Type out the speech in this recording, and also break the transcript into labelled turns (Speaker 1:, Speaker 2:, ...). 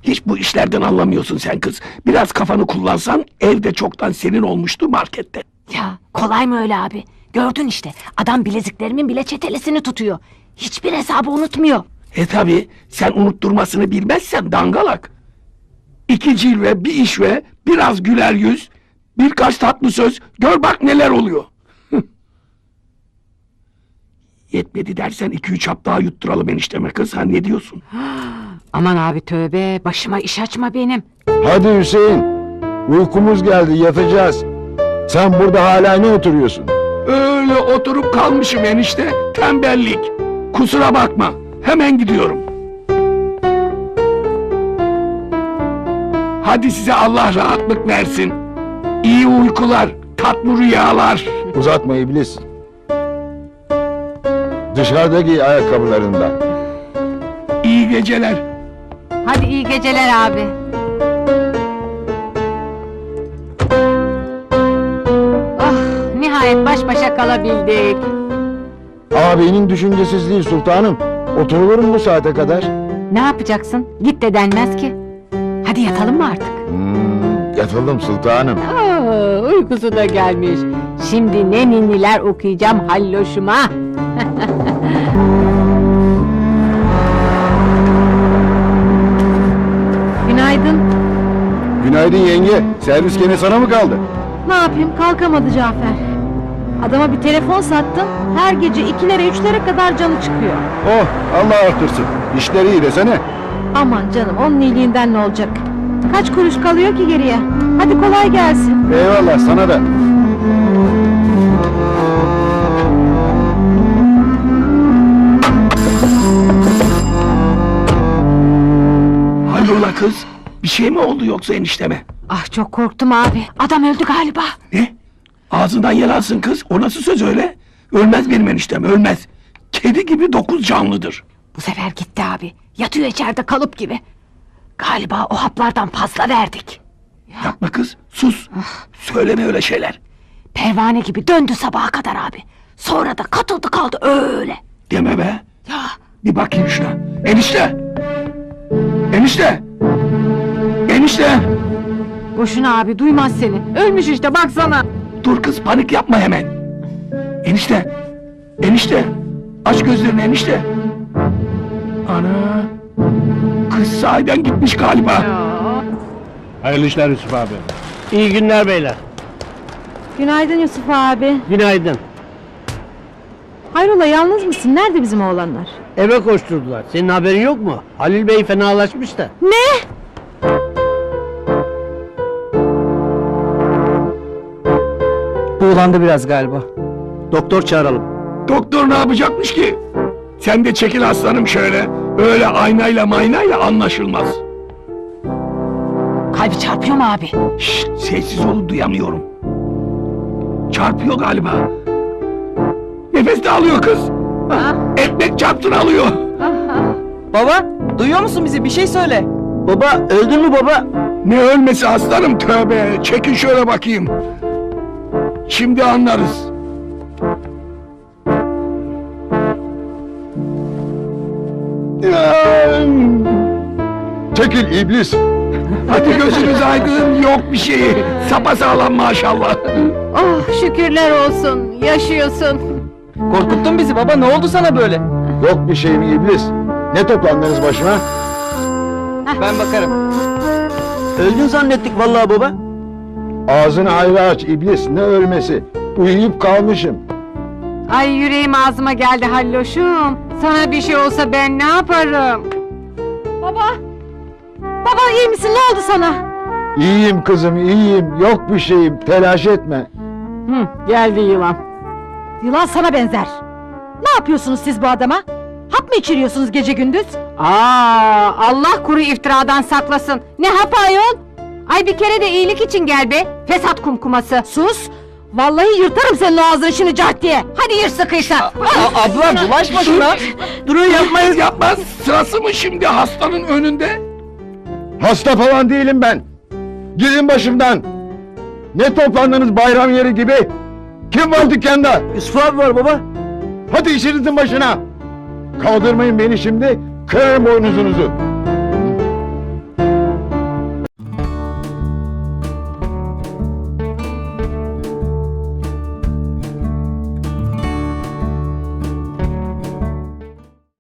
Speaker 1: Hiç bu işlerden anlamıyorsun sen kız. Biraz kafanı kullansan evde çoktan senin olmuştu markette.
Speaker 2: Ya kolay mı öyle abi? Gördün işte, adam bileziklerimin bile çetelesini tutuyor. Hiçbir hesabı unutmuyor.
Speaker 1: Tabi sen unutturmasını bilmezsen dangalak. 2 cilve, bir işve, biraz güler yüz, birkaç tatlı söz, gör bak neler oluyor. Yetmedi dersen 2-3 hap daha yutturalım enişteme kız, ha ne diyorsun?
Speaker 2: Aman abi tövbe, başıma iş açma benim.
Speaker 3: Hadi Hüseyin. Uykumuz geldi, yatacağız. Sen burada hala ne oturuyorsun?
Speaker 1: Öyle oturup kalmışım enişte, tembellik. Kusura bakma, hemen gidiyorum. Hadi size Allah rahatlık versin. İyi uykular, tatlı rüyalar.
Speaker 3: Uzatma iblis. Dışarıda giy ayakkabılarından.
Speaker 1: İyi geceler.
Speaker 2: Hadi iyi geceler abi. Ah, nihayet baş başa kalabildik.
Speaker 3: Ağabeyinin düşüncesizliği sultanım. Oturulur mu bu saate kadar?
Speaker 2: Ne yapacaksın? Git de denmez ki. Hadi yatalım mı artık?
Speaker 3: Yatalım sultanım.
Speaker 2: Uykusu da gelmiş. Şimdi ne ninniler okuyacağım halloşuma. Günaydın.
Speaker 3: Günaydın yenge. Servis gene sana mı kaldı?
Speaker 4: Ne yapayım, kalkamadı Cafer. Adama bir telefon sattım, her gece 2'lere 3'lere kadar canı çıkıyor.
Speaker 3: Oh, Allah artırsın. İşleri iyi desene.
Speaker 4: Aman canım, onun iyiliğinden ne olacak? Kaç kuruş kalıyor ki geriye? Hadi kolay gelsin.
Speaker 3: Eyvallah sana da.
Speaker 1: Hayrola kız? Bir şey mi oldu yoksa enişteme?
Speaker 2: Ah çok korktum abi. Adam öldü galiba.
Speaker 1: Ne? Ağzından yer alsın kız. O nasıl söz öyle? Ölmez benim eniştem, ölmez. Kedi gibi 9 canlıdır.
Speaker 2: Bu sefer gitti abi. Yatıyor içeride kalıp gibi. Galiba o haplardan fazla verdik.
Speaker 1: Yapma kız, sus. Söyleme öyle şeyler.
Speaker 2: Pervane gibi döndü sabaha kadar abi. Sonra da katıldı kaldı öyle.
Speaker 1: Deme be.
Speaker 2: Ya
Speaker 1: Bir bakayım şuna. Enişte! Enişte! Enişte!
Speaker 2: boşuna abi, duymaz seni. Ölmüş işte, baksana.
Speaker 1: Dur kız, panik yapma hemen. Enişte! Enişte! Aç gözlerini enişte! Ana! Kız sahiden gitmiş galiba.
Speaker 5: Hayırlı işler Yusuf abi. İyi günler beyler.
Speaker 4: Günaydın Yusuf abi.
Speaker 5: Günaydın.
Speaker 4: Hayrola, yalnız mısın? Nerede bizim oğlanlar?
Speaker 5: Eve koşturdular. Senin haberin yok mu? Halil Bey fenalaşmış da.
Speaker 4: Ne?
Speaker 6: Buğulandı biraz galiba.
Speaker 5: Doktor çağıralım.
Speaker 1: Doktor ne yapacakmış ki? Sen de çekil aslanım şöyle. Öyle aynayla maynayla anlaşılmaz.
Speaker 2: Kalbi çarpıyor mu abi?
Speaker 1: Şşt, sessiz olun, duyamıyorum. Çarpıyor galiba. Nefes de alıyor kız. Ekmek çarptın alıyor.
Speaker 6: Baba, duyuyor musun bizi? Bir şey söyle. Baba, öldün mü baba?
Speaker 1: Ne ölmesi aslanım, tövbe. Çekin şöyle bakayım. Şimdi anlarız.
Speaker 3: Çekil iblis.
Speaker 1: Hadi gözünüz aydın, yok bir şeyi. Sapasağlam maşallah.
Speaker 2: Oh şükürler olsun, yaşıyorsun.
Speaker 6: Korkuttun bizi baba, ne oldu sana böyle?
Speaker 3: Yok bir şeyim iblis. Ne toplandınız başıma?
Speaker 6: Ben bakarım. Öldün zannettik vallahi baba.
Speaker 3: Ağzını ayrı aç iblis. Ne ölmesi? Uyuyup kalmışım.
Speaker 2: Ay yüreğim ağzıma geldi halloşum. Sana bir şey olsa ben ne yaparım?
Speaker 4: Baba! Baba, iyi misin? Ne oldu sana?
Speaker 3: İyiyim kızım, iyiyim. Yok bir şeyim. Telaş etme.
Speaker 2: Geldi yılan.
Speaker 4: Yılan sana benzer. Ne yapıyorsunuz siz bu adama? Hap mı içiriyorsunuz gece gündüz?
Speaker 2: Aa, Allah kuru iftiradan saklasın. Ne hap ayol? Ay bir kere de iyilik için gel be. Fesat kumkuması.
Speaker 4: Sus! Vallahi yırtarım senin o ağzını şimdi cart diye.
Speaker 2: Hadi yır sıkıysa.
Speaker 6: Abla bulaşma şuna.
Speaker 1: Durun, yapmayız, yapmaz. Sırası mı şimdi hastanın önünde?
Speaker 3: Hasta falan değilim ben. Gidin başımdan. Ne toplandınız bayram yeri gibi? Kim var dükkanda?
Speaker 6: Yusuf abi var baba.
Speaker 3: Hadi işinizin başına. Kaldırmayın beni şimdi. Kırarım boynuzunuzu.